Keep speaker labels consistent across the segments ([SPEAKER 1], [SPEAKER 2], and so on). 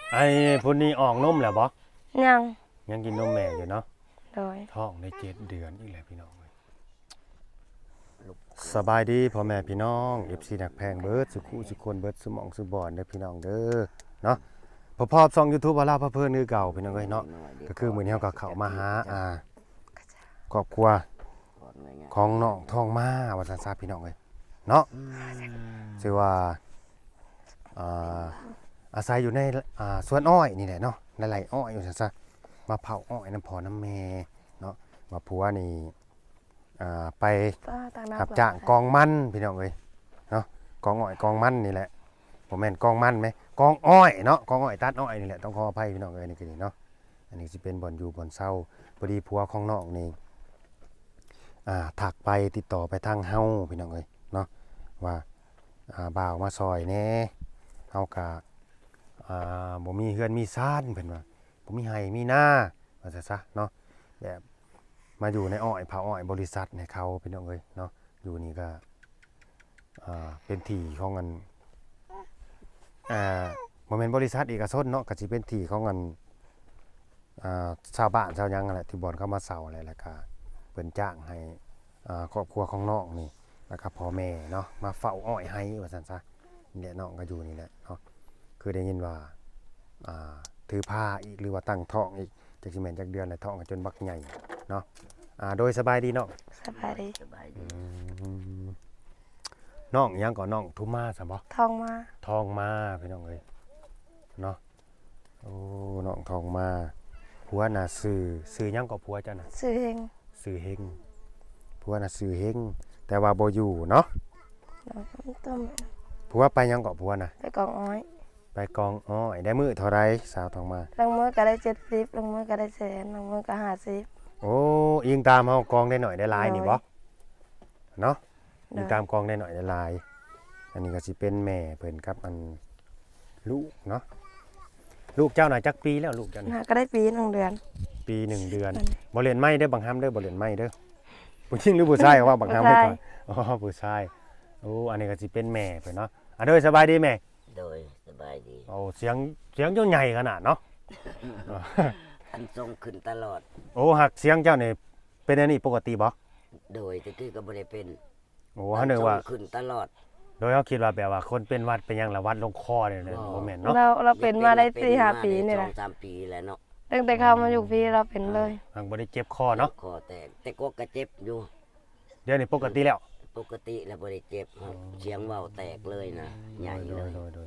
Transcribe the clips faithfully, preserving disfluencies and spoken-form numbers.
[SPEAKER 1] ไอ้พุ่นนี้ออกนมแล้วบ่
[SPEAKER 2] ยัง
[SPEAKER 1] ยังกินนมแม่อยู่เนาะ
[SPEAKER 2] โดย
[SPEAKER 1] ท้องได้เจ็ดเดือนอีกแล้วพี่น้องสบายดีพ่อแม่พี่น้อง เอฟ ซี นักแพงเบิดสุขุสุคนเบิดสมองสุบอนเด้อพี่น้องเด้อเนาะพอพอช่อง YouTube ว่าลาพระเพิ่นคือเก่าพี่น้องเอ้ยเนาะก็คือมื้อนี้เฮาก็เข้ามาหาอ่าครอบครัวของน้องทองมาว่าซั่นซะพี่น้องเอ้ยเนาะชื่อว่าอ่าอาศัยอยู่ในอ่าสวนอ้อยนี่แหละเนาะในไร่อ้อยอยู่ซั่นซะมาเผาอ้อยน้ำพ่อน้ำแม่เนาะมาผัวนี่อ่าไปขับจ้างกองมันพี่น้องเอ้ยเนาะกองอ้อยกองมันนี่แหละผมแม่นกองมันไหมกองอ้อยเนาะกองอ้อยตัดอ้อยนี่แหละต้องขออภัยพี่น้องเอ้ยนี่คือนี่เนาะอันนี้สิเป็นบ่อนอยู่บ่อนเศร้าพอดีผัวของน้องนี่อ่าถักไปติดต่อไปทางเฮาพี่น้องเอ้ยเนาะว่าอ่าบ่าวมาซอยแน่เฮากะอ่าบ่มีเฮือนมีซ่านเพิ่นว่าบ่มีไห้มีนาว่าซะซะเนาะแบบมาอยู่ในอ้อยเผาอ้อยบริษัทให้เขาพี่น้องเอ้ยเนาะอยู่นี่ก็อ่าเป็นที่ของกันอ่าบ่แม่นบริษัทเอกชนเนาะก็สิเป็นที่ของกันอ่าชาวบ้านชาวหยังนั่นแหละที่บ่อนเข้ามาเซาอะไรแล้วก็เพิ่นจ้างให้อ่าครอบครัวของน้องนี่แล้วก็พ่อแม่เนาะมาเฝ้าอ้อยให้ว่าซั่นซะนี่แหละน้องก็อยู่นี่แหละเนาะคือได้ยินว่าอ่าถือผ้าอีกหรือว่าตั้งท้องอีกจักสิแม่นจักเดือนแล้วท้องก็จนบักใหญ่เนาะอ่าโดยสบายดีเนาะ
[SPEAKER 2] สบายดี
[SPEAKER 3] สบายดี
[SPEAKER 1] น้องยังก่อนน้องทุมาซะบ่
[SPEAKER 2] ทองมา
[SPEAKER 1] ทองมาพี่น้องเอ้ยเนาะโอ้น้องทองมาผัวน่ะซื้อซื้อยังก็ผัวจ้ะน่ะ
[SPEAKER 2] ซื้อเอง
[SPEAKER 1] ซื้อเฮงผัวน่ะซื้อเฮงแต่ว่าบ่อยู่เนาะ
[SPEAKER 2] แล้วก็ต้ม
[SPEAKER 1] ผัวไปยังก็ผัวน่ะ
[SPEAKER 2] ไปกองอ้อย
[SPEAKER 1] ไปกองอ้อยได้มื้อเท่าไรสาวทองมา
[SPEAKER 2] ลงมือก็ได้เจ็ดสิบลงมือก็ได้แสนลงมือก็ห้าสิบ
[SPEAKER 1] โอ้อิงตามเฮากองได้หน่อยได้หลายนี่บ่เนาะ
[SPEAKER 2] ได้
[SPEAKER 1] อิงตามกองได้หน่อยได้หลายอันนี้ก็สิเป็นแม่เพิ่นกับอันลูกเนาะลูกเจ้าน่ะจักปีแล้วลูกเจ้านี่
[SPEAKER 2] น่าก็ได้ปีหนึ่งเดือน
[SPEAKER 1] ปีหนึ่งเดือน
[SPEAKER 2] นั่น
[SPEAKER 1] บ่เรียนไม่เด้อบางฮัมเด้อบ่เรียนไม่เด้อผู้หญิงหรือผู้ชายว่าบางฮัมไว้ก่อนอ๋อผู้ชายโอ้อันนี้ก็สิเป็นแม่เพิ่นเนาะอ่ะเด้อสบายดีแม่
[SPEAKER 3] โดยสบายดี
[SPEAKER 1] โอ้เสียงเสียงเจ้าใหญ่ขนาดเนาะ
[SPEAKER 3] อันทรงขึ้นตลอด
[SPEAKER 1] โอ้หักเสียงเจ้านี่เป็นอันนี้ปกติบ่
[SPEAKER 3] โดยตะกี้ก็บ่ได้เป็น
[SPEAKER 1] โอ้เฮานึกว่า
[SPEAKER 3] อันทรงขึ้นตลอด
[SPEAKER 1] โดยเฮาคิดว่าแบบว่าคนเป็นหวัดเป็นหยังละหวัดลงคอเนี่ยนะบ่แม่นเนาะ
[SPEAKER 2] เราเราเป็นมาได้สี่ห้าปีนี่
[SPEAKER 3] ส
[SPEAKER 2] แห
[SPEAKER 3] อ
[SPEAKER 2] ละ
[SPEAKER 3] งสามปีแล้วเนาะ
[SPEAKER 2] ตั้งแต่เข้ามาอยู่พี่เราเป็นเลย
[SPEAKER 1] หักบ่ได้เจ็บคอเนาะ
[SPEAKER 3] คอแตกแต่ก็กระเจ็บอยู่
[SPEAKER 1] เดี๋ยวนี้ปกติแล้ว
[SPEAKER 3] ปกติแล้วบ่ได้เจ็บครับเสียงเว้าแตกเลยนะใหญ่
[SPEAKER 1] โด
[SPEAKER 3] เลย ย
[SPEAKER 1] โดยโดย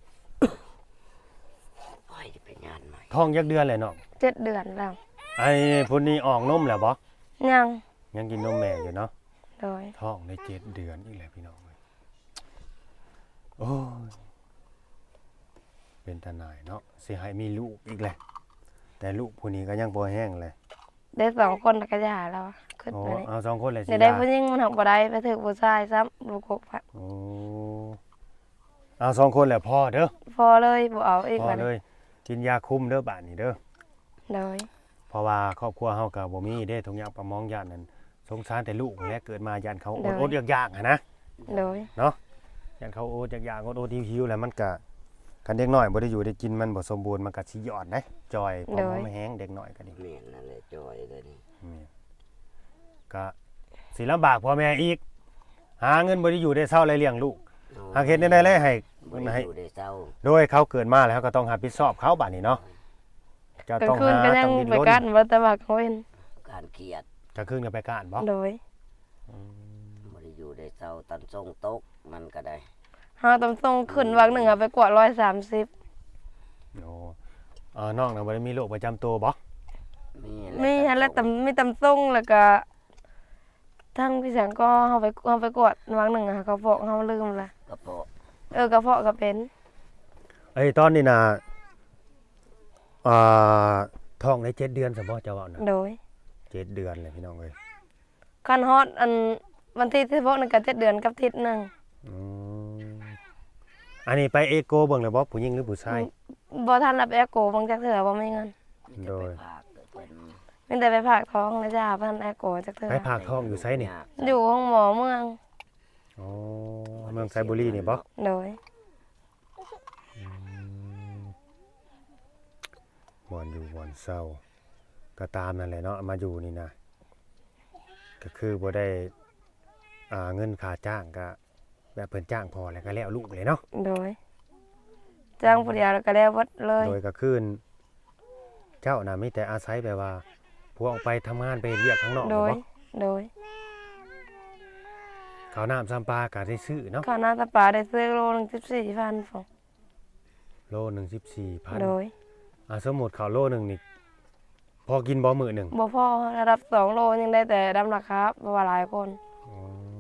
[SPEAKER 3] โอ้ยจะไปงานใหม่
[SPEAKER 1] ท้องยักเดือนเลยเนาะ
[SPEAKER 2] เจ็ดเดือนแล้ว
[SPEAKER 1] ไอ้พุ่นนี้ออกนมแล้วบ่
[SPEAKER 2] ยัง
[SPEAKER 1] ยังกินนมแม่อยู่เนาะ
[SPEAKER 2] โดย
[SPEAKER 1] ท้องได้เจ็ดเดือนอีกแล้วพี่น้องเอ้ยโอ้ยเป็นตาหน่ายเนาะสิให้มีลูกอีกแหละแต่ลูกผู้นี้ก็ยังบ่แห้งเลย
[SPEAKER 2] ได้สองคนแล้วก็หย่าแล้วขึ้น
[SPEAKER 1] โอ้
[SPEAKER 2] ไปนี่
[SPEAKER 1] เอาสองคนเลยสิ
[SPEAKER 2] เดี๋ยวได้
[SPEAKER 1] ย่า
[SPEAKER 2] ผู้หญิงมันทำบ่ได้ไปถึงผู้ชายซ้ำลูกกบอะ
[SPEAKER 1] โอ้เอาสองคนแหละพ่อเด้อ
[SPEAKER 2] พอเลยบ่เอาอีก
[SPEAKER 1] พ่อ
[SPEAKER 2] วัน
[SPEAKER 1] เลยกินยาคุมเด้อบาดนี้เด้อ
[SPEAKER 2] โดย
[SPEAKER 1] เพราะว่าครอบครัวเฮาก็บ่มีเด้ทุกอย่างประมองญาตินั่นสงสารแต่ลูกแหละเกิดมาญาติเขาอดอดอยากๆอะนะ
[SPEAKER 2] โดย
[SPEAKER 1] เนาะญาติเขาอดอยากๆอดอดหิวๆแล้วมันก็คันเด็กน้อยบ่ได้อยู่ได้กินมันบ่สมบูรณ์มันก็สิยอดเด้จอยพอมองไม่แห้งเด็กน้อยก็ดี
[SPEAKER 3] แม่นนั่นแหละจอยเลยนี่
[SPEAKER 1] นี่ก็สิลำบากพ่อแม่อีก หาเงินบ่ได้อยู่ได้เศร้าไรเลี้ยงลูกหากเฮ็ดได้เลยให้
[SPEAKER 3] บ่ได้
[SPEAKER 1] ให้
[SPEAKER 3] อยู่ได้เศร้า
[SPEAKER 1] โดยเขาเกิดมาแล้วก็ต้องรับผิดชอบเขาบัดนี้เนาะจะ
[SPEAKER 2] กลา
[SPEAKER 1] ต้อง
[SPEAKER 2] งคืน
[SPEAKER 1] หา
[SPEAKER 2] ก็ยั
[SPEAKER 1] ต้
[SPEAKER 2] ง
[SPEAKER 1] องดิ้น
[SPEAKER 2] ไป
[SPEAKER 1] รน
[SPEAKER 2] กันบ่แต่ว่าเขาเห็น
[SPEAKER 3] การเครียด
[SPEAKER 1] กลางคืนก็ไปก้านบ่
[SPEAKER 2] โดย
[SPEAKER 3] บ่ได้อยู่ได้เศร้าตันทรงตกมันก็ได้
[SPEAKER 2] เฮาต้องส่งขึ้นวักหนึ่งอะไปกว่าร้อยสามสิบ
[SPEAKER 1] โอ้เออน้องน่ะบ่ได้มีโรคประจำตัวบ่
[SPEAKER 3] มีแหละ
[SPEAKER 2] มีฮันแล้วแต่มีตำส่งแล้วก็ทั้งพี่แสงก็เฮาไปเฮาไปกวดวักหนึ่งอะเขาบอกเฮาลืมละ
[SPEAKER 3] กระเพาะ
[SPEAKER 2] เออกระเพาะก็เป็น
[SPEAKER 1] เอ้ยตอนนี้น่ะอ่าท้องได้เจ็ดเดือนซะบ่เจ้าเว้าน่ะ
[SPEAKER 2] โดย
[SPEAKER 1] เจ็ดเดือนเลยพี่น้องเอ้ย
[SPEAKER 2] คันฮอดอันวันที่สิบหกนั่นก็เจ็ดเดือนกับทิศหนึง
[SPEAKER 1] อืมอันนี้ไปเอโกเบิ่งเลยบ่ผู้หญิงหรือผู้ชาย
[SPEAKER 2] บ่ทันรับแอร์โกบางจักเทื่อบ่มีเงิน
[SPEAKER 3] มีแต่
[SPEAKER 1] โด
[SPEAKER 3] ไป
[SPEAKER 1] ย
[SPEAKER 3] พากเพิ่น
[SPEAKER 2] มีแต่ไปฝากท้องนะจ้าบ่ทันแอร์โกจักเทื่อ
[SPEAKER 1] ไปผากท้องอยู่ไสนี่
[SPEAKER 2] อยู่ห้องหมอเมือง
[SPEAKER 1] อ๋อเมืองไซบุรีนี่บ่
[SPEAKER 2] โดย
[SPEAKER 1] บ่อนอยู่บ่อนเศร้าก็ตามนั่นแหละเนาะมาอยู่นี่นะก็คือบ่ได้อ่าเงินค่าจ้างก็แบบเพิ่นจ้างพอแล้วก็แล้วลูกเลยเนาะ
[SPEAKER 2] โดยจ้างผู้เดียวแล้วก็แล้วหมดเลย
[SPEAKER 1] โดยก็คืนเจ้าน่ะมีแต่อาศัยแบบว่าพวกออกไปทำงานไปเรียกข้างนอก
[SPEAKER 2] โดย
[SPEAKER 1] บ่
[SPEAKER 2] โดย
[SPEAKER 1] ข้าวน้ำซ้ำปลาก็ได้ซื้อเนาะ
[SPEAKER 2] ข้าวหน้าตาปลาได้ซื้อโลหนึงสิบสี่พันฟอง
[SPEAKER 1] โลหนึงสิบสี่พัน
[SPEAKER 2] โดย
[SPEAKER 1] อ่าสมมุติข้าวโลหนึงนี่พอกินบ่มื้อหนึง
[SPEAKER 2] บ่พอระดับสองโลยังได้แต่ดำราคาเพราะว่าหลายคน
[SPEAKER 1] อ๋อ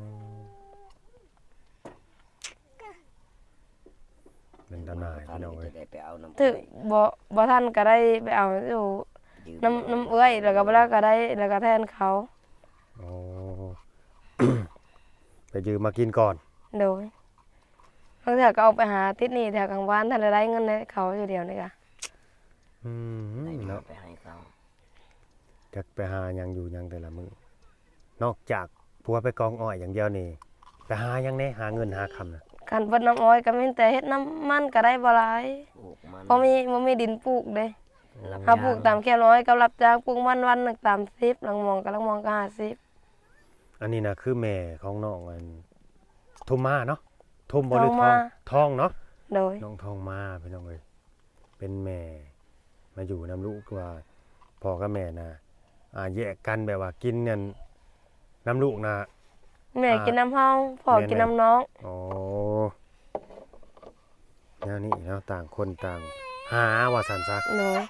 [SPEAKER 1] เป็นตำนาย
[SPEAKER 3] ท่า
[SPEAKER 1] พี่
[SPEAKER 3] น
[SPEAKER 1] น้อง
[SPEAKER 3] ก็
[SPEAKER 1] เอ้
[SPEAKER 3] จะ
[SPEAKER 1] ย
[SPEAKER 3] ได้ไปเอาน้ำ
[SPEAKER 2] ถึกบ่บ่ทันก็ได้ไปเอาอยู่
[SPEAKER 3] ยืม
[SPEAKER 2] น้ำน้ำเอื้อยแล้วก็บ่แล้วก็ได้แล้วก็แทนเขา
[SPEAKER 1] อ๋อ ไปยืมมากินก่อน
[SPEAKER 2] โดยบางเทื่อก็เอาไปหาติดหนี้แถวกลางวันถ้าได้เงินให้เขาอยู่เดียวนี่ก็
[SPEAKER 1] อืม
[SPEAKER 3] ได้มา
[SPEAKER 1] เนาะ
[SPEAKER 3] ไปให้เขา
[SPEAKER 1] จะไปหาหยังอยู่หยังแต่ละมื้อนอกจากผัวไปกองอ้อยอย่างเดียวนี่ไปหาหยังแหน่หาเงินหาคำน่ะ
[SPEAKER 2] การเบิดน้ำอ้อยก็มีแต่เฮ็ดน้ำมันก็ได้บ่หลาย
[SPEAKER 3] ปลูกมัน
[SPEAKER 2] บ่มีบ่มีดินปลูกเด้
[SPEAKER 3] รับ
[SPEAKER 2] ถ้าปลูก
[SPEAKER 3] จ้ง
[SPEAKER 2] ตามแค่น้อยก็รับจ้างปลูกมันวันหนึงสามสิบหลังมองก็หลังมองก็ห้าสิบ
[SPEAKER 1] อันนี้นะคือแม่ของน้องอันทุมมาเนาะทุมบ่หรือ
[SPEAKER 2] ทอง
[SPEAKER 1] ท
[SPEAKER 2] มา
[SPEAKER 1] องทองเนาะ
[SPEAKER 2] โดย
[SPEAKER 1] น้องทองมาพี่น้องเอ้ยเป็นแม่มาอยู่นำลูกว่าพ่อกับแม่น่ะอ่าแยกกันแบบว่ากินนั่นน้ำลูกน่ะ
[SPEAKER 2] แม่
[SPEAKER 1] อ่า
[SPEAKER 2] กินน้ำเฮาพ่อ
[SPEAKER 1] แม่
[SPEAKER 2] กิน
[SPEAKER 1] แม่
[SPEAKER 2] น้ำน้อง
[SPEAKER 1] อ๋อแนวนี้เนาะต่างคนต่างหาว่าสันซะ
[SPEAKER 2] โดย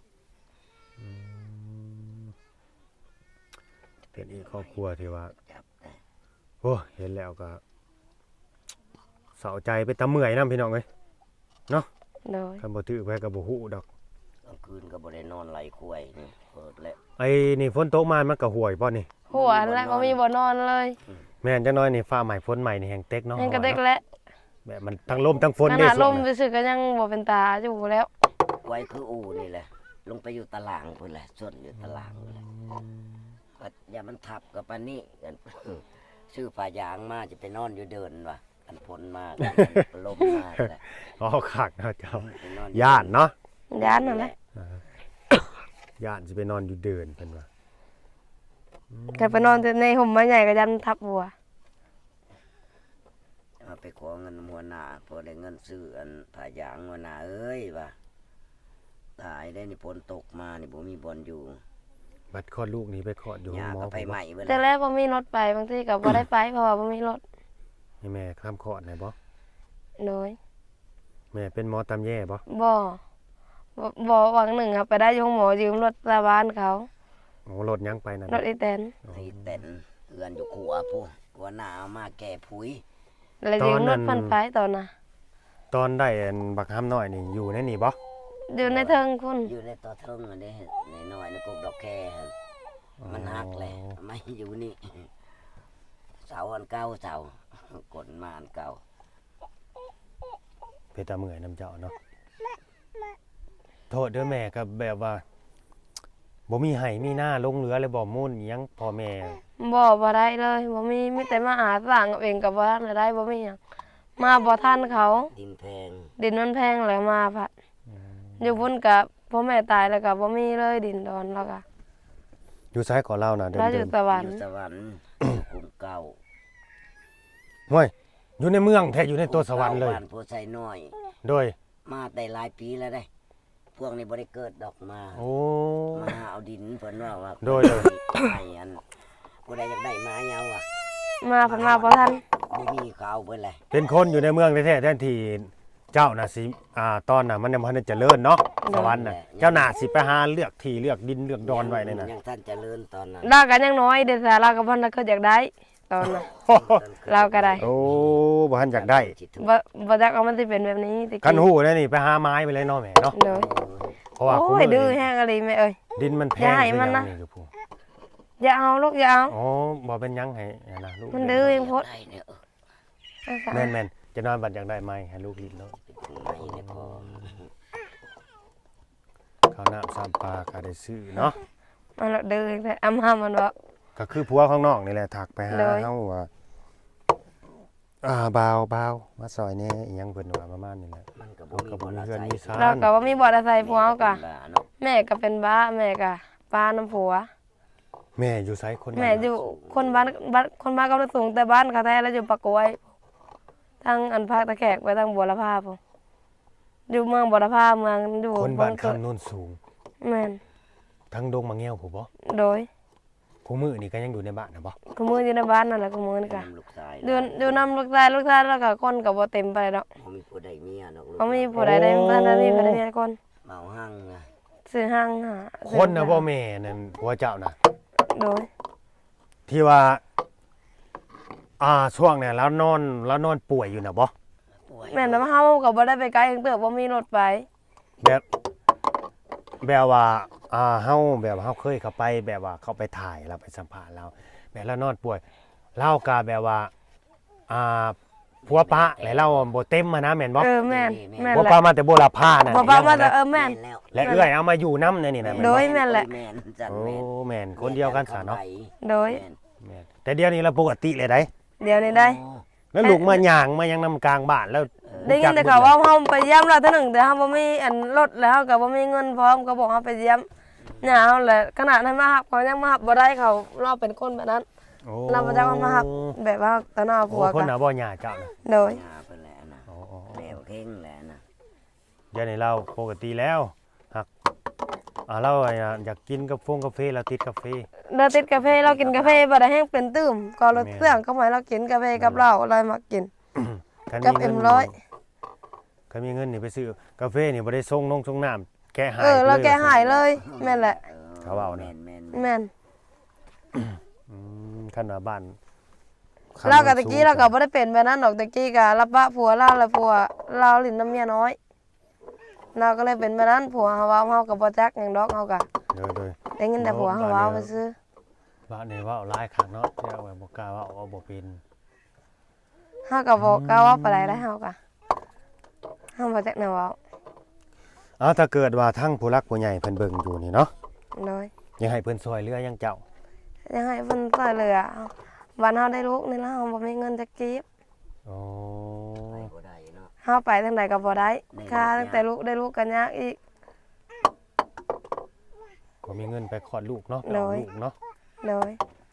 [SPEAKER 1] เป็นอีกครอบครัวที่ว่า
[SPEAKER 3] จับได้
[SPEAKER 1] โอ้เห็นแล้วก็เศร้าใจไปตะเมื่อยนํพี่น้องเอ้ย
[SPEAKER 2] โดย
[SPEAKER 1] คันบ่ถือไปก็บ่ฮู้ดอก
[SPEAKER 3] กลางคืนก็บ่ได้นอนไหลควายนี่เปิดแล้ว
[SPEAKER 1] ไอ้นี่ฝนตกมามันก็ห่วยบ่นี่
[SPEAKER 2] หัวแล้วบ่มีบ่นอนเลย
[SPEAKER 1] แม่นจังน้อยนี่ฟ้าใหม่ฝนใหม่นี่แฮงเต็กเนาะ
[SPEAKER 2] ยังก็เด็ก
[SPEAKER 1] เนาะ
[SPEAKER 2] แล้ว
[SPEAKER 1] แบบมันทั้งลมทั้งฝน
[SPEAKER 2] ข
[SPEAKER 1] เด้
[SPEAKER 2] นาดล
[SPEAKER 1] ส่ว
[SPEAKER 2] ม
[SPEAKER 1] งน่ะ
[SPEAKER 2] ซื่อๆก็ยังบ่เป็นตาอยู่แล้ว
[SPEAKER 3] ไว้คืออู่นี่แหละ ลงไปอยู่ตารางพุ่นแหละส่วนอยู่ตารางพุ่นแหละก็อย่ามันทับกับปานนี้กัน ชื่อฝายางมาจะไปนอนอยู่เดินว่ะกันฝนมากันลมมาแหละ
[SPEAKER 1] อ๋อคักเนาะเจ้า
[SPEAKER 3] ไปนอน
[SPEAKER 1] ย่านเนาะ
[SPEAKER 2] ย้านนั่นแหละ
[SPEAKER 1] ย่านสิไปนอนอยู่เดินเพิ่นว่า
[SPEAKER 2] กันไปนอนในห่มไม้ใหญ่ก็ยันทับหัว
[SPEAKER 3] มาไปขอเงินหัวหน้าพอได้เงินซื้ออันผายางหัวหน้าเอ้ยว่ะตายได้นี่ฝนตกมานี่บ่มีบอลอยู่
[SPEAKER 1] บัดคลอดลูกนี่ไปคลอดอยู่ห้อง
[SPEAKER 3] ยา
[SPEAKER 1] หมอ
[SPEAKER 3] ก็ไป
[SPEAKER 1] ผม
[SPEAKER 3] ให
[SPEAKER 1] บ่
[SPEAKER 3] ม่เบิด
[SPEAKER 2] แต่
[SPEAKER 3] แล้ว
[SPEAKER 2] แรกบ่มีรถไปบางทีก็บ่ได้ไปเพราะว่าบ่มีรถ
[SPEAKER 1] ให้แม่ข้ามคลอดได้บ่
[SPEAKER 2] โดย
[SPEAKER 1] แม่เป็นหมอตำแย่บ่
[SPEAKER 2] บ่บ่บ่หวังหนึ่งครับไปได้อยงหมอยืมรถชาวบ้านเขา
[SPEAKER 1] โอ้รถยังไปนั่น
[SPEAKER 2] รถอีแตน
[SPEAKER 3] ไอ้เต็นเอือนอยู่ขัวผู้หัวหน้าเอามาแก่ผุย
[SPEAKER 2] แล้วยืมรถเพิ่นไปตอนน่ะ
[SPEAKER 1] ตอนได้อันบักห้ามน้อยนี่อยู่ในนี่บ่
[SPEAKER 2] อยู่ในเทิงคุณ
[SPEAKER 3] อยู่ในตัวเทิงอันนี้ในน้อยในกกดอกแค่หั่นมันหักเลยไม่อยู่นี่เสาอันเก่าเสากดมาอันเก่า
[SPEAKER 1] เพชรตาเมื่อยน้ำเจ้าเนาะโทษเด้อแม่ก็แบบว่าบ่มีไห้มีหน้าลงเหลือเลยบ่มุ่นอิหยังพ่อแม่
[SPEAKER 2] บ่บ่ได้เลยบ่มีมีแต่มาหาสร้างเอาเองก็บ่ทันได้บ่มีหยังมาบ่ทันเขา
[SPEAKER 3] ดินแพง
[SPEAKER 2] ดินมันแพงแล้วมาพัดอยู่พุ่นกับพ่อแม่ตายแล้วก็บ่มีเลยดินดอนแล้วก็
[SPEAKER 1] อยู่ซ้ายก่อนเล่านะเดิ
[SPEAKER 2] เราอ
[SPEAKER 1] เดิ
[SPEAKER 2] ยู่
[SPEAKER 1] น
[SPEAKER 2] สวรร
[SPEAKER 3] อยู่
[SPEAKER 2] ค์
[SPEAKER 3] สวรรค์กรุงเก่า
[SPEAKER 1] ห้วยอยู่ในเมืองแท้อยู่ในตัวสวรรค์เลย
[SPEAKER 3] บ้านโพไซน้อย
[SPEAKER 1] โดย
[SPEAKER 3] มาได้หลายปีแล้วได้ พวกนี้บ่ได้เกิดดอกมา
[SPEAKER 1] โอ้
[SPEAKER 3] มาเอาดินเพิ่นว่าว่า
[SPEAKER 1] โดยโดย
[SPEAKER 3] ให้อันผู้ใดอยากได้มาเหยาอ่ะ
[SPEAKER 2] มาเพันมาบ่ทัน
[SPEAKER 3] บ่มีเขาเอาเพิ่นเลย
[SPEAKER 1] เป็นคนอยู่ในเมืองแท้ๆแทนที่เจ้าน่ะสิอ่าตอนน่ะมันยังบ่ทันได้เจริญเนาะสวรรค์น่ะเจ้าน่ะสิไปหาเลือกที่เลือกดินเลือกดอนไว้นั่นน่ะ
[SPEAKER 3] ยังท่านเจริญตอนนั้น
[SPEAKER 2] เราก็ยังน้อยเด้แต่เราก็บ่ทันเคยอยากได้ตอนน่ะ เราก็ได้
[SPEAKER 1] โอ้บ่ทันอยากได้
[SPEAKER 2] บ่บ่จักว่ามันสิเป็นแบบนี้ติ
[SPEAKER 1] คันหู้แล้วนี่ไปหาไม้ไปเลยเนาะแม่เนาะ
[SPEAKER 2] เลย
[SPEAKER 1] เพราะว่า
[SPEAKER 2] โอ้
[SPEAKER 1] คุ
[SPEAKER 2] ย
[SPEAKER 1] มื้
[SPEAKER 2] ดื้อ
[SPEAKER 1] นี่
[SPEAKER 2] แฮงอะไรแม่เอ้ย
[SPEAKER 1] ดินมันแพ
[SPEAKER 2] อย่าง ให้มันนะ
[SPEAKER 1] คือหยังคือผู้
[SPEAKER 2] อย่าเอาลูกอย่าเอา
[SPEAKER 1] อ๋อบ่เป็นหยังให้อันนะลูก
[SPEAKER 2] มันดื้อเองโพด
[SPEAKER 3] ได้เนี่ยเออ
[SPEAKER 1] แม่นๆจะนอนบัดอยากได้ไม้ให้ลูกลิ้นเนาะ
[SPEAKER 3] เป็นคนไหนเนี่ยพอ
[SPEAKER 1] ข้าวน้ำซ้ำปลาก็ได้ซื้อเนาะ
[SPEAKER 2] มันละดื้อเองแต่อำหามันบ่
[SPEAKER 1] ก็คือผัวข้างนอกนี่แหละทักไปหา
[SPEAKER 2] โดย
[SPEAKER 1] เฮาว่าอ่าบ่าวบ่าวมาซอยแหน่อีหยังเพิ่นว่าประมาณนี้แหละ
[SPEAKER 3] มันก็
[SPEAKER 1] เรา
[SPEAKER 3] บ่มี
[SPEAKER 1] ก็บ่
[SPEAKER 3] บ่
[SPEAKER 1] มี
[SPEAKER 3] ละ
[SPEAKER 1] เฮือน
[SPEAKER 3] ใส่
[SPEAKER 1] มีซ่า
[SPEAKER 2] เรา
[SPEAKER 1] น
[SPEAKER 2] ก็บ่มีบ่อาศัยพวกเฮาก็
[SPEAKER 3] บ้าเนาะ
[SPEAKER 2] แม่ก็เป็นบ้าแม่ก็ป้าน้ำผัว
[SPEAKER 1] แม่อยู่ไสคน
[SPEAKER 2] แม่อยู่คนบ้านบ้านคนบ้านกำลังสูงแต่บ้านเขาแท้แล้วอยู่ปากกล้วยทางอันภาคตะแขกไปทางบัวละพาพุ่นอยู่เมืองบัวละพาเมืองอยู่
[SPEAKER 1] คนบ้าน
[SPEAKER 2] เมือง
[SPEAKER 1] คำโนนสูง
[SPEAKER 2] แม่น
[SPEAKER 1] ทั้งดงมะแง้วผู้บ่
[SPEAKER 2] โดย
[SPEAKER 1] ผู้มื้อนี่ก็ยังอยู่ในบ้านนะบ่
[SPEAKER 2] ขมืออยู่ในบ้านนั่นแหละขมือนี่ก็
[SPEAKER 3] ลูกชาย
[SPEAKER 2] อยู่อยู่นำลูกชายลูกชายแล้วก็คนก็บ่เต็มไปดอก
[SPEAKER 3] เขามีผู้ใดเมียเนาะลูก
[SPEAKER 2] เขามีผู้ใดได้บ้านนั้นมีผู้ใดมีคน
[SPEAKER 3] เมาหั่งนะ
[SPEAKER 2] ซื้อห้างหา
[SPEAKER 1] คนน่ะบ่แม่นั่นผัวเจ้าน่ะ
[SPEAKER 2] โดย
[SPEAKER 1] ที่ว่าอ่าช่วงเนี่ยแล้วนอนแล้วนอนป่วยอยู่น่ะบ่
[SPEAKER 3] ป่วย
[SPEAKER 2] แม่นำเฮาก็บ่ได้ไปไกลจังเติบบ่มีรถไป
[SPEAKER 1] แบบแบบว่าอ่าเฮาแบบเฮาเคยเข้าไปแบบว่าเข้าไปถ่ายเราไปสัมภาษณ์เราแบบแล้วนอนป่วยเราก็แบบว่าอ่าผัวปะแล้วเราบ่เต็มมานะแม่นบ่
[SPEAKER 2] เออแม่นแม่น
[SPEAKER 1] ผัว
[SPEAKER 2] แห
[SPEAKER 1] ปะ
[SPEAKER 2] ละ
[SPEAKER 1] มาแต่โบราณพาน่ะ
[SPEAKER 2] บ่ป้ามาแต่เออแม่น
[SPEAKER 3] แล้ว
[SPEAKER 1] และเอื้อยเอามาอยู่นำเนี่ยนี่นะแม่น
[SPEAKER 2] โด
[SPEAKER 1] บ่
[SPEAKER 2] ยแม่นแหละ
[SPEAKER 3] แม่นจัน
[SPEAKER 1] โอ้
[SPEAKER 3] แม่น
[SPEAKER 1] แม่นคนเดียวกันซะเนาะ
[SPEAKER 2] โดย
[SPEAKER 3] แม่น
[SPEAKER 1] แม่นแต่เดี๋ยวนี้เราปกติเลยได้
[SPEAKER 2] เดี๋ยวนี้ได้
[SPEAKER 3] โอ้
[SPEAKER 1] แล้วลูกมาย่างมายังนำกลางบ้านแล้ว
[SPEAKER 2] ได้ยินแต่เขาว่าเฮาไปเยี่ยมเราเท่านึงแต่เฮาบ่มีอันรถแล้วเฮาก็บ่มีเงินพร้อมก็บอกเฮาไปเยี่ยมหน้าเฮาแหละขนาดนั้นมาฮับเขายังมาฮับบ่ได้เขาเราเป็นคนแบบนั้น
[SPEAKER 1] โอ้
[SPEAKER 2] เราบ่จักว่ามาฮับแบบว่าตอนเอา
[SPEAKER 1] โอ้
[SPEAKER 2] ผัว
[SPEAKER 1] คน
[SPEAKER 2] กั
[SPEAKER 1] น่ะบ่ย่าเจ้าน่ะ
[SPEAKER 2] โดย
[SPEAKER 3] ยาเพิ่นแหละนะ
[SPEAKER 1] โอ้โอ้
[SPEAKER 3] แหลวเข่งแหละนะ
[SPEAKER 1] เดี๋ยวนี้เราปกติแล้วหักอ่าเราอยากกินกาแฟกาแฟเราติดกาแฟ
[SPEAKER 2] เราติดกาแฟเรากินกาแฟบ่ได้แห้งเป็นตื้มก็รถ
[SPEAKER 1] แม่น
[SPEAKER 2] เครื่องเข้ามาเรากินกาแฟกับเหล้าอะไรมากิน
[SPEAKER 1] คัน
[SPEAKER 2] กับ
[SPEAKER 1] มี
[SPEAKER 2] เอ็
[SPEAKER 1] เงิ
[SPEAKER 2] ม
[SPEAKER 1] น
[SPEAKER 2] ร้อย
[SPEAKER 1] คันมีเงินนี่ไปซื้อกาแฟนี่บ่ได้ส่งนงส่งน้ำแก้หาย
[SPEAKER 2] เออเราแกหาย
[SPEAKER 1] เลย
[SPEAKER 2] เลยแม่นแหละ
[SPEAKER 1] เขาว่านะ
[SPEAKER 3] แม่นแม่น
[SPEAKER 2] แม่น
[SPEAKER 1] อืมคันว่าบ้าน
[SPEAKER 2] เรากับตะกี้เราก็บ่ได้เป็นแบบนั้นดอกตะกี้ก็รับปะผัวเราแล้วผัวเราลิ้นน้ำเมียน้อย เราก็เลยเป็นแบบนั้นผัวเฮาเว้าเฮาก็บ่จักหยังดอกเฮาก็
[SPEAKER 1] เด้อเด้อ
[SPEAKER 2] ได้ยินแต่ผัวเฮาเว้าไปซื้อ
[SPEAKER 1] บ้านนี่เว้าหลายครั้งเนาะเจ้าว่าบ่กล้าเว้าเอาบ่เป็น
[SPEAKER 2] เฮาก็บ่กล้าเว้าปานใดได้เฮาก็เฮาบ่จักแนวเว้า
[SPEAKER 1] เอาถ้าเกิดว่าทั้งผู้รักผู้ใหญ่เพิ่นเบิ่งอยู่นี่เนาะ
[SPEAKER 2] โดย
[SPEAKER 1] ยังให้เพิ่นช่วยเหลือยังเจ้า
[SPEAKER 2] ยังให้เพิ่นช่วยเหลือวันเฮาได้ลูกนี่แล้วเฮาบ่มีเงินจะเก็บ
[SPEAKER 1] โอ้
[SPEAKER 3] ไปบ่ได้เนาะ
[SPEAKER 2] เฮาไปทางใดก็บ่ได้
[SPEAKER 3] ได้
[SPEAKER 2] ค่า
[SPEAKER 3] ลูก
[SPEAKER 2] ตั้งแต่ลูกได้ลูกก็ยากอีก
[SPEAKER 1] บ่มีเงินไปคลอดลูกเนาะ
[SPEAKER 2] โด
[SPEAKER 1] เอา
[SPEAKER 2] ย
[SPEAKER 1] ลูกเนาะ
[SPEAKER 2] โดย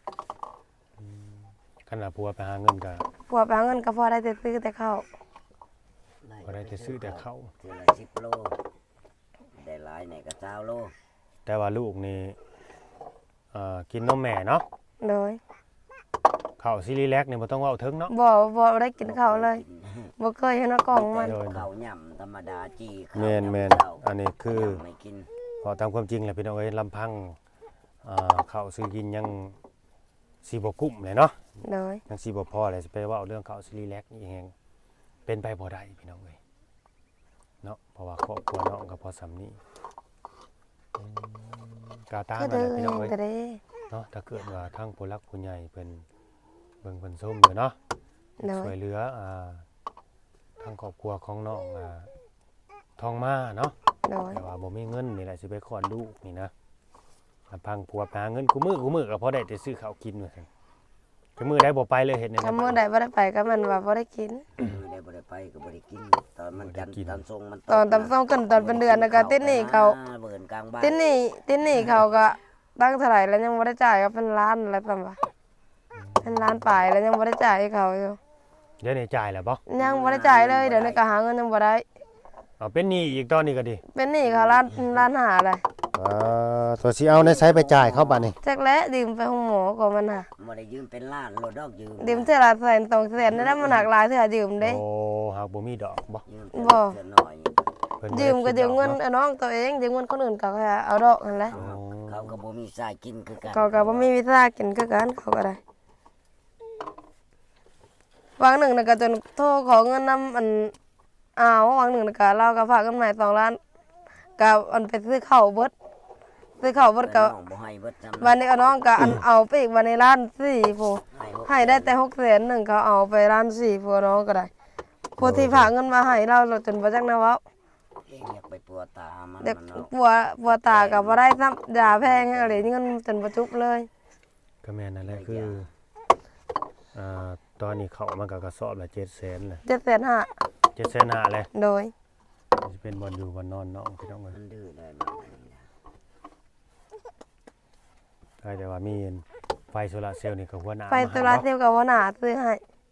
[SPEAKER 1] ขณะผัวไปหาเงินก็
[SPEAKER 2] ผัวไปเอาเงินก็พอได้แต่ซื้อแต่ข้าว
[SPEAKER 1] บ่ได้แต่ซื้อแต่ข้าว
[SPEAKER 3] เทื่อละสิบโลได้หลายไหนก็เก้าโล
[SPEAKER 1] แต่ว่าลูกนี่เอ่อกินนมแม่เนาะ
[SPEAKER 2] โดย
[SPEAKER 1] ข้าวซีรีแลกนี่บ่ต้องเว้าถึงเนาะ
[SPEAKER 2] บ่บ่ได้กินข้าวเลยบ่เคยเห็นว่ากล่องมัน
[SPEAKER 1] โดย
[SPEAKER 3] ข้าวย่ำธรรมดาจีข้าว
[SPEAKER 1] แม่นแม่น
[SPEAKER 3] ข้าว
[SPEAKER 1] อันนี้คือ
[SPEAKER 3] ไม่กิน
[SPEAKER 1] พอตามความจริงแหละพี่น้องเอ้ยลำพังอ่าข้าวซื้อกินยังสิบ่กุ้มเลยเนาะ
[SPEAKER 2] โดย
[SPEAKER 1] ยังสิบ่พอเลยสิไปเว้าเรื่องข้าวซีรีแลกนี่แฮงเป็นไปบ่ได้พี่น้องเอ้ยเนาะเพราะว่าครอบครัวน้องก็พอสำนี้อืมกาตาม
[SPEAKER 2] ก็
[SPEAKER 1] มา
[SPEAKER 2] เดิ
[SPEAKER 1] เลย
[SPEAKER 2] น
[SPEAKER 1] พี่น้องเอ้ย
[SPEAKER 2] ก็ได้
[SPEAKER 1] เนาะถ้าเกิดว่าทั้งผู้รักผู้ใหญ่เพิ่นเบิ่งเพิ่นส้มอยู่เนาะ
[SPEAKER 2] โด
[SPEAKER 1] ช่วย ยเหลืออ่าทางครอบครัวของน้องอ่าทองมาเนาะ
[SPEAKER 2] โดย
[SPEAKER 1] แต่ว่าบ่มีเงินนี่แหละสิไปคลอดลูกนี่นะลำพังผัวไปหาเงินกูมือกูมือก็พอได้แต่ซื้อข้าวกินว่าซั่นคือมื้อใดบ่ไปเลยเฮ็ดแนว
[SPEAKER 2] ถ้า
[SPEAKER 1] นั้น
[SPEAKER 2] มื้อใดบ่ได้ไปก็มันว่าบ่ได้กิน
[SPEAKER 3] มื้อใดบ่ได้ไปก็บ่ได้กิน ตอนมันจันทร์ตอนทรงมัน
[SPEAKER 2] ตอนตำส่งกันตอนเป็นเดือนแล้วก็ติดหนี้เขา
[SPEAKER 3] เบิ่นกลางบ้าน
[SPEAKER 2] ติดหนี้ติดหนี้เขาก็ตั้งเท่าไหร่แล้วยังบ่ได้จ่ายก็เป็นล้านแล้วซั่นว่าเป็นล้านปลายแล้วยังบ่ได้จ่ายให้เขาอยู่
[SPEAKER 1] เดี๋ยวนี้จ่ายแล้วบ่
[SPEAKER 2] ยังบ่ได้จ่ายเลยเดี๋ยวนี้ก็หาเงินยังบ่ได้
[SPEAKER 1] เอาเป็นหนี้อีกตอนนี้ก็ดี
[SPEAKER 2] เป็นหนี้เขาล้านล้านหาเลย
[SPEAKER 1] อ่าตัวสิเอาในไสไปจ่ายเขาบัดนี้
[SPEAKER 2] จักและดื่มไปห้องหมอก็มันน่ะ
[SPEAKER 3] บ่ได้ยืมเป็นล้านโลดดอกยืม
[SPEAKER 2] ดื่มเท่าละแสนสองแสนได้มันหักหลายเท่าดื่มเด้
[SPEAKER 1] โอ้หากบ่มีดอกบ่
[SPEAKER 3] ยืม
[SPEAKER 2] บ่
[SPEAKER 3] เทื่อน้อย
[SPEAKER 1] เพิ่นบ่
[SPEAKER 2] ยืมก็
[SPEAKER 1] ได้
[SPEAKER 2] ยืม
[SPEAKER 1] คิดดอ
[SPEAKER 2] เงิน
[SPEAKER 1] าะ
[SPEAKER 2] เอาน้องตัวเองยืมเงินคนอื่นก็แค่เอาดอกนั่นแหละ
[SPEAKER 3] เขาเขาก็บ่มีสายกินคือกัน
[SPEAKER 2] เขาก็บ่มีวิชากินคือกันเขาก็ได้วันหนึ่งน่ะก็จนโทรขอเงินนำอันอ้าววันหนึ่งน่ะก็เราก็ฝากเงินมาให้สองล้านก็อันไปซื้อข้าวเบิดซื้อข้าวเบิดก็
[SPEAKER 3] น้องบ่ให้เบิดจำ
[SPEAKER 2] วันนี้เอาน้องก็อันเอาไปอีกวันในร้านสี่ผู้
[SPEAKER 3] ให้หก
[SPEAKER 2] ให้ได้แต่หกแสนหนึ่งเขาเอาไปร้านสี่ผู้น้องก็ได้ผู้ที่ฝากเงินมาให้เราเราจนบ่จักนะเว้า
[SPEAKER 3] เองอยากไปปัวตามัน
[SPEAKER 2] เด็ก
[SPEAKER 3] มันเนาะ
[SPEAKER 2] ปัวปัวตากับบ่ได้ซ้ำยาแพงให้อะไรเงินจนบ่จุบเลย
[SPEAKER 1] ก็แม่นนั่นแหละคืออ่าตอนนี้เขามันก็กระสอบละเจ็ดแสนแหละ
[SPEAKER 2] เจ็ดแสนห้า
[SPEAKER 1] เจ็ดแสนห้าเลย
[SPEAKER 2] โดย
[SPEAKER 1] สิเป็นบ่อนอยู่บ่อนนอนเนาะพี่น้องเอ้ย
[SPEAKER 3] มันดื้อได้บ้าง
[SPEAKER 1] ก็แต่ว่ามีไฟโซลาร์เซลล์นี่ก็หัวหน้า
[SPEAKER 2] ไฟโซลาร์เซลล์กับหัวหน้าซื้อให้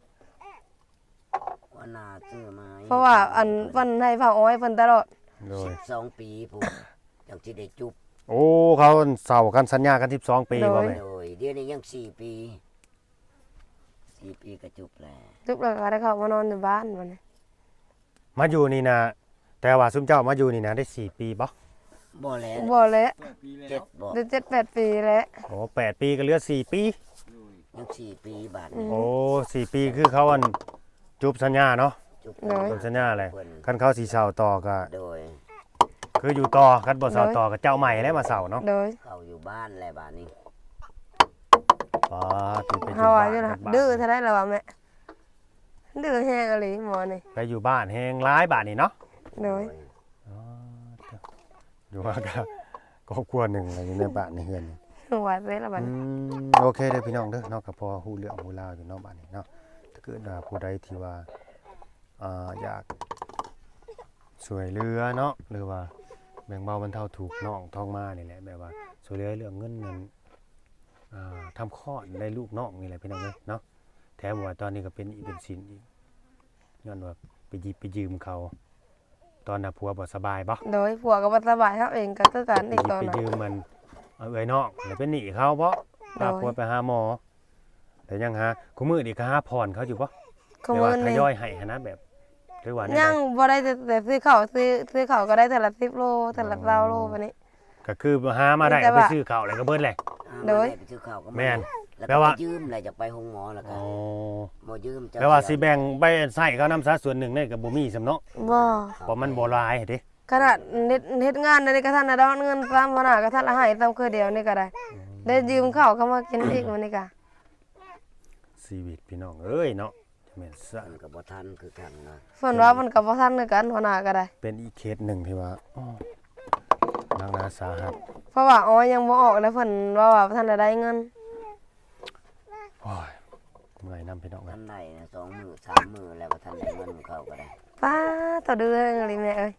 [SPEAKER 3] ว่านาซื้อมา
[SPEAKER 2] เพราะว่าอันเพิ่นให้เผาอ้อยเพิ่นตลอด
[SPEAKER 1] โดย
[SPEAKER 3] สิบสองปีผมจังสิได้จุบ
[SPEAKER 1] โอ้เขาเศร้ากันสัญญากันสิบสองปีบ่แม่
[SPEAKER 3] โดยเดี๋ยวนี้ยังสี่ปีสี่ปีก็จุบแล้ว
[SPEAKER 2] ทุกแล้วก็ได้เข้ามานอนอยู่บ้านบัดนี้
[SPEAKER 1] มาอยู่นี่นะแต่ว่าซุมเจ้ามาอยู่นี่นะได้สี่ปีบ่
[SPEAKER 3] บ่แล้ว
[SPEAKER 2] บ่แล้ว
[SPEAKER 3] เจ็ดบ่
[SPEAKER 2] ได้เจ็ดแปดปีแล้ว
[SPEAKER 1] โอ้แปดปีก็เหลือสี่ปี
[SPEAKER 3] ยังสี่ปีบาท
[SPEAKER 2] อืม
[SPEAKER 1] โอ้สี่ปีคือเขาอันจุบสัญญาเนาะ
[SPEAKER 3] จุบ
[SPEAKER 2] โดย
[SPEAKER 1] จุบสัญญาอะไรคันเขาสีเสาต่อก็
[SPEAKER 3] โดย
[SPEAKER 1] คืออยู่ต่อคันบ่เสาต่อก็เจ้าใหม่แล้วมาเสาเนาะ
[SPEAKER 2] โดย
[SPEAKER 3] เข้าอยู่บ้านแล้วบาดนี้
[SPEAKER 1] อ๋อที่ไปอยู่
[SPEAKER 2] เฮาว่า
[SPEAKER 1] บ้าน
[SPEAKER 2] อยู่นะ
[SPEAKER 1] บ้าน
[SPEAKER 2] ดื้อเท่าไดล่ะวะแม่ดื้อแฮงอีหลีหมอนี่
[SPEAKER 1] ไปอยู่บ้านแฮงร้ายบาทนี่เนาะ
[SPEAKER 2] โดย
[SPEAKER 1] อ๋ออยู่ว่าก็ครอบครัวหนึ่งอะไรอยู่ในบ้านในเฮือน
[SPEAKER 2] ไหวไปแล้วบัด
[SPEAKER 1] อื
[SPEAKER 2] นี้
[SPEAKER 1] มโอเคเด้อพี่น้องเด้อเนาะก็พอฮู้เรื่องฮู้ราวอยู่เนาะบ้านนี้เนาะถ้าเกิดว่าผู้ใดที่ว่าอ่าอยากช่วยเหลือเนาะหรือว่าแบ่งเบาบรรเทาทุกข์น้องท้องมานี่แหละแบบว่าช่วยเหลือเรื่องเงินเงินอ่าทำคลอดได้ลูกน้องนี่แหละพี่น้องเอ้ยเนาะแถมว่าตอนนี้ก็เป็นอีกเป็นสินอีกย้อนว่าไปหยิบไปยืมเขา ตอนน่ะผัวบ่สบายบ่
[SPEAKER 2] โดยผัวก็บ่สบายเฮาเองก็คือกัน
[SPEAKER 1] ไป
[SPEAKER 2] อีก
[SPEAKER 1] หยิบ
[SPEAKER 2] ตอน
[SPEAKER 1] ไป
[SPEAKER 2] นั้น
[SPEAKER 1] ยืมมันเอาเอ้ยน้องแล้วเป็นหนี้เขาบ่พา
[SPEAKER 2] โดย
[SPEAKER 1] ผัวไปหาหมอแต่ยังหาคุมื้อนี่ก็หาผ่อนเขาอยู่บ่
[SPEAKER 2] ขโม
[SPEAKER 1] แต่ว่าย ท
[SPEAKER 2] นี่
[SPEAKER 1] ยอยให้หันนะแบบหรือว่าแนว
[SPEAKER 2] ยั
[SPEAKER 1] ใด
[SPEAKER 2] งบ่ได้แต่แต่ซื้อข้าวซื้อซื้อข้าวก็ได้แต่ละสิบโลแต่ละเก้าโลบัดนี้
[SPEAKER 1] ก็คือหามาได้
[SPEAKER 2] แต่
[SPEAKER 1] เอาไป
[SPEAKER 2] ว่า
[SPEAKER 1] ซื้อข้าวแล้วก็เบิดแหละ
[SPEAKER 3] อ่า
[SPEAKER 2] โดย
[SPEAKER 3] บ่ไปซื้อข้าวก็
[SPEAKER 1] แม่น
[SPEAKER 3] แล้ว
[SPEAKER 1] แปล
[SPEAKER 3] ก็
[SPEAKER 1] ว่า
[SPEAKER 3] ไปยืมแล้วจะไปห้องหมอแล้วก็
[SPEAKER 1] อ๋อ
[SPEAKER 3] บ่ยืมจะ
[SPEAKER 1] แปลว่าสิแบ่งไปใช้เขานำซะส่วนหนึ่งนี่ก็บ่มีสำเนาะ
[SPEAKER 2] บ่
[SPEAKER 1] เพราะมันบ่หลายเด้
[SPEAKER 2] ขนาดเฮ็ดเฮ็ดงานได้กระทันน่ะดอกเงินตามหัวหน้ากระทันละให้ตามคือเดียวนี่ก็ได้ ได้ยืมข้าวเข้ามากินอีกมื้อนี้ก็
[SPEAKER 1] ชีวิตพี่น้องเอ้ยเนาะจะแม่นซะ
[SPEAKER 3] มันก็บ่ทันคือกันนะ
[SPEAKER 2] เพิ่นว่ามันก็บ่ทันคือกันหัวหน้าก็ได้
[SPEAKER 1] เป็นอีกเคสหนึ่งที่ว่าอ้อนักหนาสาหัส
[SPEAKER 2] เพราะว่าอ๋อยังบ่ออกแล้วเพิ่นว่าว่าบ่ทันได้เงิน
[SPEAKER 1] โอ้ยเมื่อยนำพี่น้องกั
[SPEAKER 3] ทั
[SPEAKER 1] น
[SPEAKER 3] นได้นะสองมื้อสามมื้อแล้วบ่ทันได้เงินเขาก็ได้
[SPEAKER 2] ป้าต่อเดือนเลยแม่เอ้ย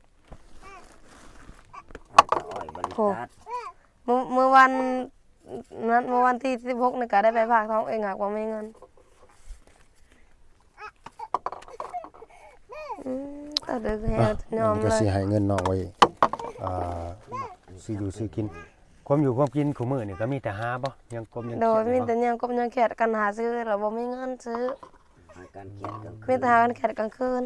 [SPEAKER 3] เอาแต่อ้อยบริษัท
[SPEAKER 2] เมื่อเมื่อวันนั้นเมื่อวันที่สิบหกนี่ก็ได้ไปฝากท้องเองหากว่าไม่เงินอืมต่อเดือนแฮะยอม
[SPEAKER 1] ก็
[SPEAKER 2] เล
[SPEAKER 1] สิ
[SPEAKER 2] ย
[SPEAKER 1] ให้เงินน้องไว้อ่าซื้ออยู่ซื้อกิน ความอยู่ความกินของมื้อนี่ก็มีแต่หาบ่ยังกลมยัง
[SPEAKER 2] โดยมี
[SPEAKER 1] เขียน
[SPEAKER 2] แต่ยังกบยังแขดกันหาซื้อแล้วบ่มีเงินซื้อ
[SPEAKER 3] ให้การเขียนกลางคื
[SPEAKER 2] มี
[SPEAKER 3] น
[SPEAKER 2] แต่หากันแขดกลางคืน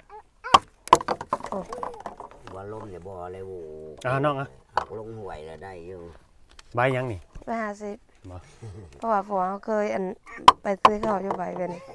[SPEAKER 3] ว่าลมเนี่ยบ่เลยโว้
[SPEAKER 1] อ่าน้องอ่ะ
[SPEAKER 3] หักลงห่วยแล้วได้อยู่
[SPEAKER 1] ใบยังนี่
[SPEAKER 2] ไปหาสิ
[SPEAKER 1] บ่
[SPEAKER 2] เพราะว่าผัวเขาเคยอันไปซื้อข้าวอยู่ใบไปนี่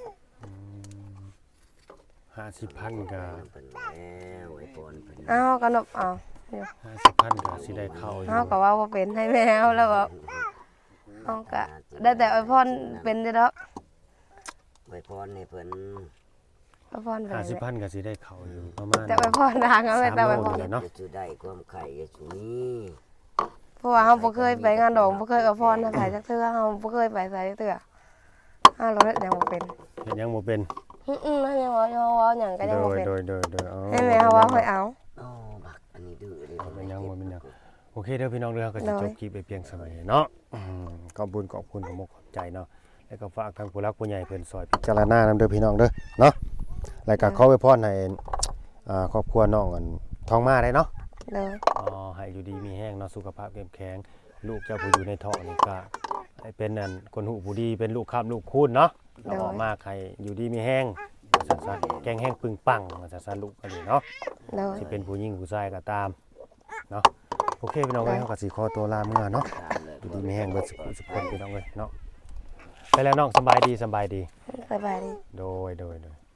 [SPEAKER 1] ห้าสิบพันก็
[SPEAKER 3] เพิ่นแล้วไอ้ปอนเพิ่น
[SPEAKER 2] อ้าวก็นบเอาอยู่
[SPEAKER 1] ห้าสิบพันก็สิได้เข้าอยู่
[SPEAKER 2] เฮาก็ว่าบ่เป็นให้แมวแล้วว่าเฮาก็ได้แต่อวยพรเป็นเด้อดอก
[SPEAKER 3] ไว้พรให้เพิ่น
[SPEAKER 2] อวยพรเป็น
[SPEAKER 1] ห้าสิบ
[SPEAKER 2] แหละ
[SPEAKER 1] พันก็สิได้เข้าอยู่ประมาณ
[SPEAKER 2] แต่อวยพรทางเอาไว้แต่อวยพร
[SPEAKER 1] สามโล เนาะ
[SPEAKER 3] จะได้ความไข่จะสุนี้
[SPEAKER 2] เพราะว่าเฮาบ่เคยไปงานดอกบ่เคยอวยพรให้ไผจักเทื่อเฮาบ่เคยไปไสจักเทื่อเฮาเราเฮ็ดหยังบ่เป็น
[SPEAKER 1] เฮ็ดหยังบ่เป็น
[SPEAKER 2] อื้อๆนั่นยังว่ายังว่าหยังก็
[SPEAKER 1] โด
[SPEAKER 2] ยังบ่
[SPEAKER 1] ย
[SPEAKER 2] เป็น
[SPEAKER 1] โดยโดยโดยเอา
[SPEAKER 2] ให้แม่เฮาว่าให้เอา
[SPEAKER 3] โอ้บักอันนี้ดื้อเลย
[SPEAKER 1] บ่เป็นหยังบ่เป็นหยังโอเคเด้อพี่น้องเด้อก็สิ
[SPEAKER 2] โดย
[SPEAKER 1] จบคลิปไปเพียงสมัยเนาะอืมขอบคุณขอบคุณขอบมกขอบใจเนาะแล้วก็ฝากทางผู้รักผู้ใหญ่เพิ่นซอยพิจารณานำเด้อพี่น้องเด้อเนาะแล้วก็ขอไว้พรให้อ่าครอบครัวน้องอันทองมาได้เนาะ
[SPEAKER 2] เลย
[SPEAKER 1] อ๋อให้อยู่ดีมีแห้งเนาะสุขภาพเข้มแข็งลูกเจ้าผู้อยู่ในท้องนี่ก็ให้เป็นอันคนหูผู้ดีเป็นลูกค้ามลูกคูณเนาะเราออกมาใครอยู่ดีมีแห้งว่าซั่นๆแกงแห้งปึงปังว่าซั่นๆลูกอันนี้เนาะ
[SPEAKER 2] เลย
[SPEAKER 1] สิเป็นผู้หญิงผู้ชายก็ตามเนาะโอเคพี่น้องเอ้ยเฮาก็สิขอตัวลาเมื่อเนาะอยู่ดีมีแห้งเบิดสุขสุขคนพี่น้องเอ้ยเนาะไปแล้วน้องสำบายดีสำบายดี
[SPEAKER 2] สบายดี
[SPEAKER 1] โดยโดยโดย